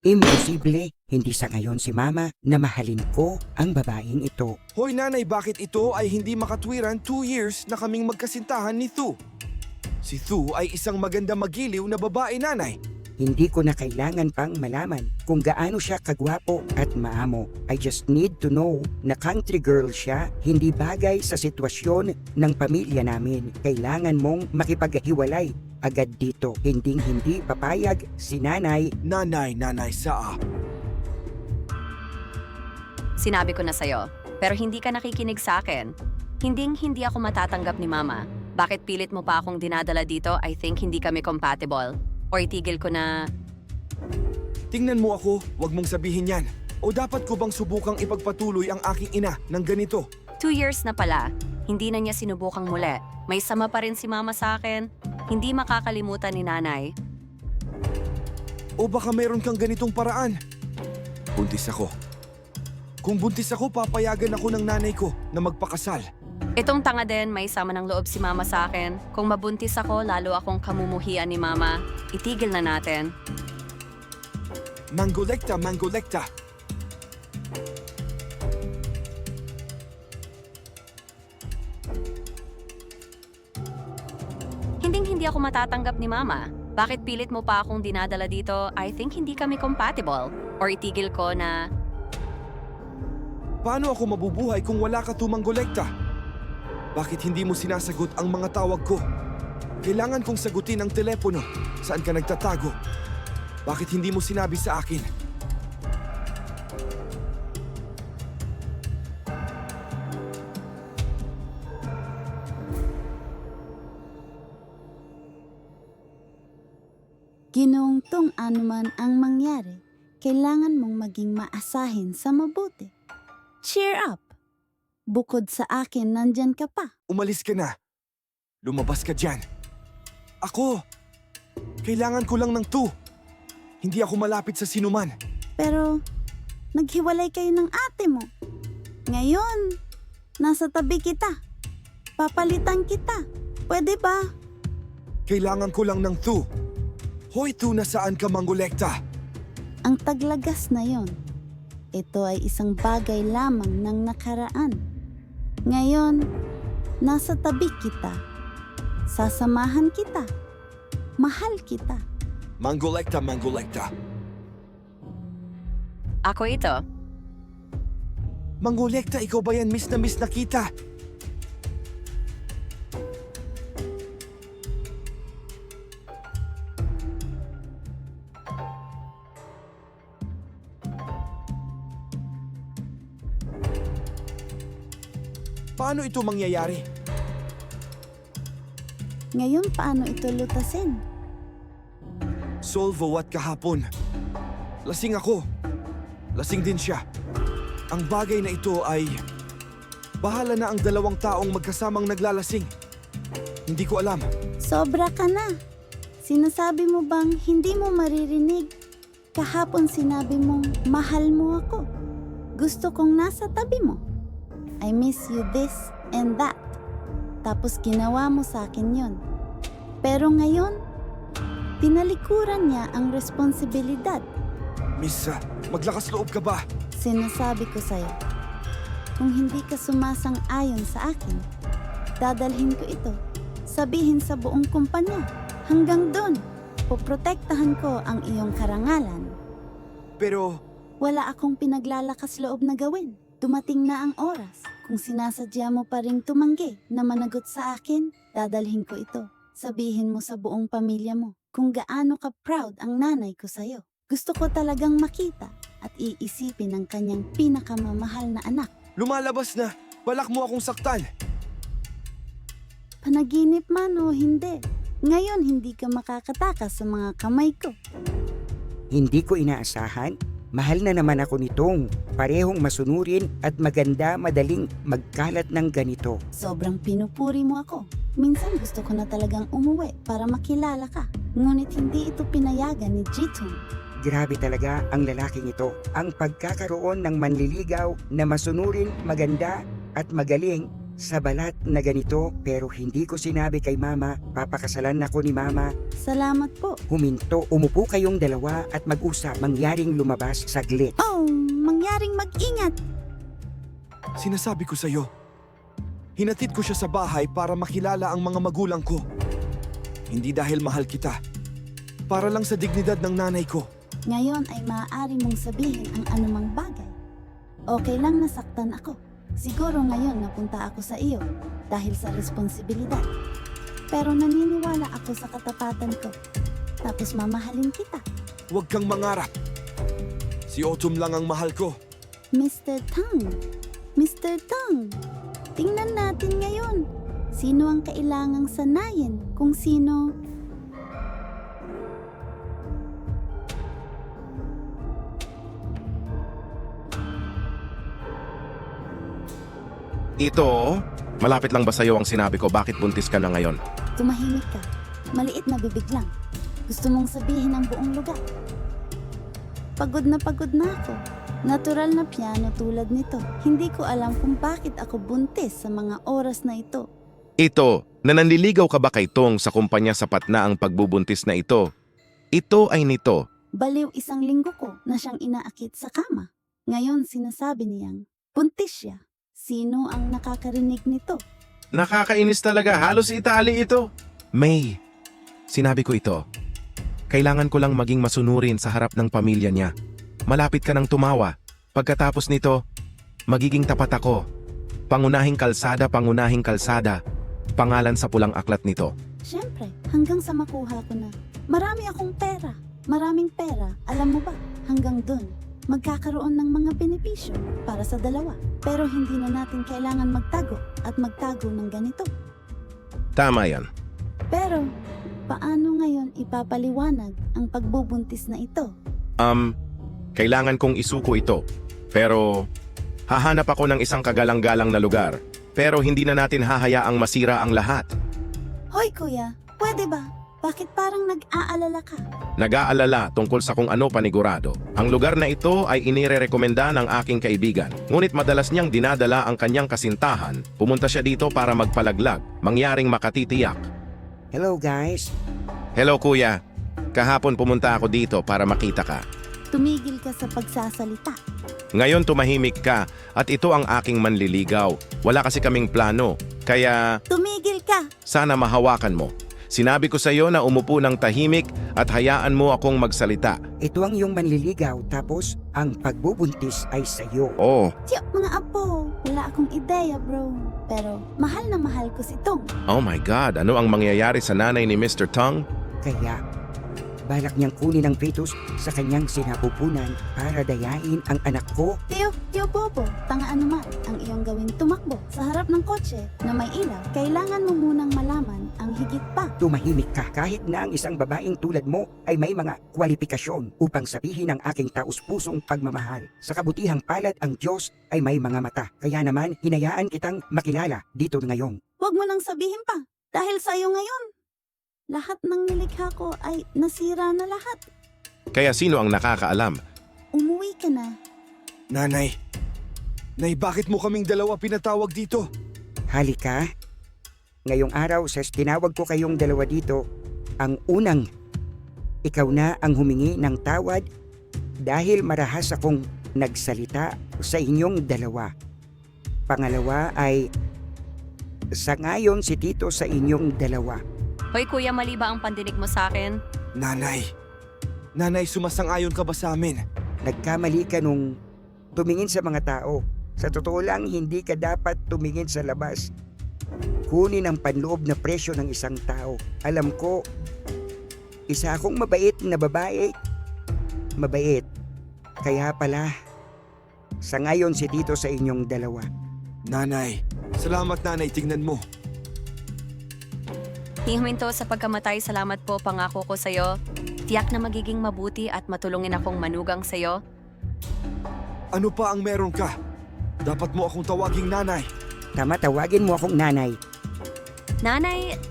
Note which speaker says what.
Speaker 1: Imposible, hindi sa ngayon si Mama na mahalin ko ang babaeng ito.
Speaker 2: Hoy nanay, bakit ito ay hindi makatwiran 2 years na kaming magkasintahan ni Thu? Si Thu ay isang maganda magiliw na babae, nanay.
Speaker 1: Hindi ko na kailangan pang malaman kung gaano siya kagwapo at maamo. I just need to know na country girl siya, hindi bagay sa sitwasyon ng pamilya namin. Kailangan mong makipaghiwalay agad dito. Hindi papayag si nanay.
Speaker 2: Nanay, saa.
Speaker 3: Sinabi ko na sa'yo, pero hindi ka nakikinig sa akin. Hindi ako matatanggap ni Mama. Bakit pilit mo pa akong dinadala dito? I think hindi kami compatible. Or itigil ko na...
Speaker 2: Tingnan mo ako, wag mong sabihin yan. O dapat ko bang subukang ipagpatuloy ang aking ina ng ganito?
Speaker 3: 2 years na pala, hindi na niya sinubukang muli. May sama pa rin si Mama sa akin. Hindi makakalimutan ni Nanay.
Speaker 2: O baka meron kang ganitong paraan? Buntis ako. Kung buntis ako, papayagan ako ng nanay ko na magpakasal.
Speaker 3: Itong tanga din, may sama ng loob si Mama sa akin. Kung mabuntis ako, lalo akong kamumuhian ni Mama. Itigil na natin.
Speaker 2: Mangolekta.
Speaker 3: Hindi ako matatanggap ni Mama. Bakit pilit mo pa akong dinadala dito? I think hindi kami compatible. Or itigil ko na...
Speaker 2: Paano ako mabubuhay kung wala ka tumangolekta? Bakit hindi mo sinasagot ang mga tawag ko? Kailangan kong sagutin ang telepono. Saan ka nagtatago? Bakit hindi mo sinabi sa akin?
Speaker 4: Ginoong Tong, anuman ang mangyari, kailangan mong maging maasahin sa mabuti. Cheer up! Bukod sa akin, nandyan ka pa.
Speaker 2: Umalis ka na. Lumabas ka dyan. Ako! Kailangan ko lang ng Thu. Hindi ako malapit sa sinuman.
Speaker 4: Pero, naghiwalay kayo ng ate mo. Ngayon, nasa tabi kita. Papalitan kita. Pwede ba?
Speaker 2: Kailangan ko lang ng Thu. Hoy Thu, nasaan ka mangolekta?
Speaker 4: Ang taglagas na yon. Ito ay isang bagay lamang ng nakaraan. Ngayon, nasa tabi kita. Sasamahan kita. Mahal kita.
Speaker 2: Mangolekta.
Speaker 3: Ako ito.
Speaker 2: Mangolekta, ikaw ba yan? Miss na kita. Paano ito mangyayari?
Speaker 4: Ngayon, paano ito lutasin?
Speaker 2: Solvo at kahapon. Lasing ako. Lasing din siya. Ang bagay na ito ay... Bahala na ang dalawang taong magkasamang naglalasing. Hindi ko alam.
Speaker 4: Sobra ka na. Sinasabi mo bang hindi mo maririnig? Kahapon sinabi mong mahal mo ako. Gusto kong nasa tabi mo. I miss you this and that. Tapos ginawa mo sa akin yon. Pero ngayon, tinalikuran niya ang responsibilidad.
Speaker 2: Miss, maglakas loob ka ba?
Speaker 4: Sinasabi ko sa'yo, kung hindi ka sumasang-ayon sa akin, dadalhin ko ito. Sabihin sa buong kumpanya. Hanggang doon, poprotektahan ko ang iyong karangalan.
Speaker 2: Pero...
Speaker 4: Wala akong pinaglalakas loob na gawin. Dumating na ang oras. Kung sinasadya mo pa ring tumanggi na managot sa akin, dadalhin ko ito. Sabihin mo sa buong pamilya mo kung gaano ka proud ang nanay ko sa'yo. Gusto ko talagang makita at iisipin ang kanyang pinakamamahal na anak.
Speaker 2: Lumalabas na! Balak mo akong saktan!
Speaker 4: Panaginip man o hindi, ngayon hindi ka makakatakas sa mga kamay ko.
Speaker 1: Hindi ko inaasahan. Mahal na naman ako nitong parehong masunurin at maganda madaling magkalat ng ganito.
Speaker 4: Sobrang pinupuri mo ako. Minsan gusto ko na talagang umuwi para makilala ka. Ngunit hindi ito pinayagan ni Jitong.
Speaker 1: Grabe talaga ang lalaking ito. Ang pagkakaroon ng manliligaw na masunurin, maganda at magaling sa balat na ganito pero hindi ko sinabi kay mama, papakasalan ako ni mama.
Speaker 4: Salamat po.
Speaker 1: Huminto, umupo kayong dalawa at mag-usap, mangyaring lumabas saglit.
Speaker 4: Oh, mangyaring mag-ingat.
Speaker 2: Sinasabi ko sa'yo, hinatid ko siya sa bahay para makilala ang mga magulang ko. Hindi dahil mahal kita, para lang sa dignidad ng nanay ko.
Speaker 4: Ngayon ay maaari mong sabihin ang anumang bagay. Okay lang nasaktan ako. Siguro ngayon napunta ako sa iyo dahil sa responsibilidad. Pero naniniwala ako sa katapatan ko. Tapos mamahalin kita.
Speaker 2: Huwag kang mangarap. Si Autumn lang ang mahal ko.
Speaker 4: Mr. Tang, Mr. Tang, tingnan natin ngayon. Sino ang kailangang sanayin kung sino...
Speaker 5: Ito, malapit lang ba sa'yo ang sinabi ko bakit buntis ka na ngayon?
Speaker 4: Tumahimik ka. Maliit na bibig lang. Gusto mong sabihin ang buong lugar. Pagod na ako. Natural na piano tulad nito. Hindi ko alam kung bakit ako buntis sa mga oras na ito.
Speaker 5: Ito, na nanliligaw ka ba kay Tong sa kumpanya sapat na ang pagbubuntis na ito? Ito ay nito.
Speaker 4: Baliw 1 linggo ko na siyang inaakit sa kama. Ngayon sinasabi niyang buntis siya. Sino ang nakakarinig nito?
Speaker 5: Nakakainis talaga, halos itali ito. May, sinabi ko ito. Kailangan ko lang maging masunurin sa harap ng pamilya niya. Malapit ka nang tumawa. Pagkatapos nito, magiging tapat ako. Pangunahing kalsada. Pangalan sa pulang aklat nito.
Speaker 4: Siyempre, hanggang sa makuha ko na. Marami akong pera. Maraming pera. Alam mo ba, hanggang dun, magkakaroon ng mga benepisyo para sa dalawa. Pero hindi na natin kailangan magtago at magtago ng ganito.
Speaker 5: Tama yan.
Speaker 4: Pero, paano ngayon ipapaliwanag ang pagbubuntis na ito?
Speaker 5: Kailangan kong isuko ito. Pero, hahanap ako ng isang kagalang-galang na lugar. Pero hindi na natin hahayaang masira ang lahat.
Speaker 4: Hoy kuya, pwede ba? Bakit parang nag-aalala ka?
Speaker 5: Nag-aalala tungkol sa kung ano panigurado. Ang lugar na ito ay inirerekomenda ng aking kaibigan. Ngunit madalas niyang dinadala ang kanyang kasintahan. Pumunta siya dito para magpalaglag, mangyaring makatitiyak.
Speaker 1: Hello guys,
Speaker 5: Hello kuya, kahapon pumunta ako dito para makita ka.
Speaker 4: Tumigil ka sa pagsasalita.
Speaker 5: Ngayon tumahimik ka at ito ang aking manliligaw. Wala kasi kaming plano, kaya
Speaker 4: Tumigil ka!
Speaker 5: sana mahawakan mo. Sinabi ko sa iyo na umupo ng tahimik at hayaan mo akong magsalita.
Speaker 1: ito ang iyong manliligaw tapos ang pagbubuntis ay sa'yo.
Speaker 5: Oh,
Speaker 4: Tiyo, mga apo, wala akong ideya bro. Pero mahal na mahal ko si Tong.
Speaker 5: oh my God, ano ang mangyayari sa nanay ni Mr. Tong?
Speaker 1: Kaya, balak niyang kunin ang fetus sa kanyang sinapupunan para dayain ang anak ko.
Speaker 4: Tiyo Bobo, tangaan naman ang iyong gawin tumakbo sa harap ng kotse na may ilaw. Kailangan mo munang malaman ang higit pa.
Speaker 1: Tumahimik ka kahit na ang isang babaeng tulad mo ay may mga kwalifikasyon upang sabihin ang aking taus-pusong pagmamahal. Sa kabutihang palad ang Diyos ay may mga mata. Kaya naman, hinayaan kitang makilala dito ngayon.
Speaker 4: Huwag mo nang sabihin pa, dahil sa iyo ngayon. Lahat ng nilikha ko ay nasira na lahat.
Speaker 5: Kaya sino ang nakakaalam?
Speaker 4: Umuwi ka na.
Speaker 2: Nanay, bakit mo kaming dalawa pinatawag dito?
Speaker 1: Halika. Ngayong araw, sa tinawag ko kayong dalawa dito, ang unang, ikaw na ang humingi ng tawad dahil marahas akong nagsalita sa inyong dalawa. Pangalawa ay, sangayon si Tito sa inyong dalawa.
Speaker 3: Hoy kuya, mali ba ang pandinig mo sa akin?
Speaker 2: Nanay, sumasang-ayon ka ba sa amin?
Speaker 1: Nagkamali ka nung tumingin sa mga tao. Sa totoo lang, hindi ka dapat tumingin sa labas. Kunin ang panloob na presyo ng isang tao. Alam ko, isa akong mabait na babae. Mabait. Kaya pala, sa ngayon si Tito sa inyong dalawa.
Speaker 2: Nanay, salamat nanay, tignan mo.
Speaker 3: Hihinto sa pagkamatay, salamat po, pangako ko sa'yo. Tiyak na magiging mabuti at matulungin akong manugang sa'yo.
Speaker 2: Ano pa ang meron ka? Dapat mo akong tawaging nanay.
Speaker 1: Tama, tawagin mo akong nanay.
Speaker 3: Nanay,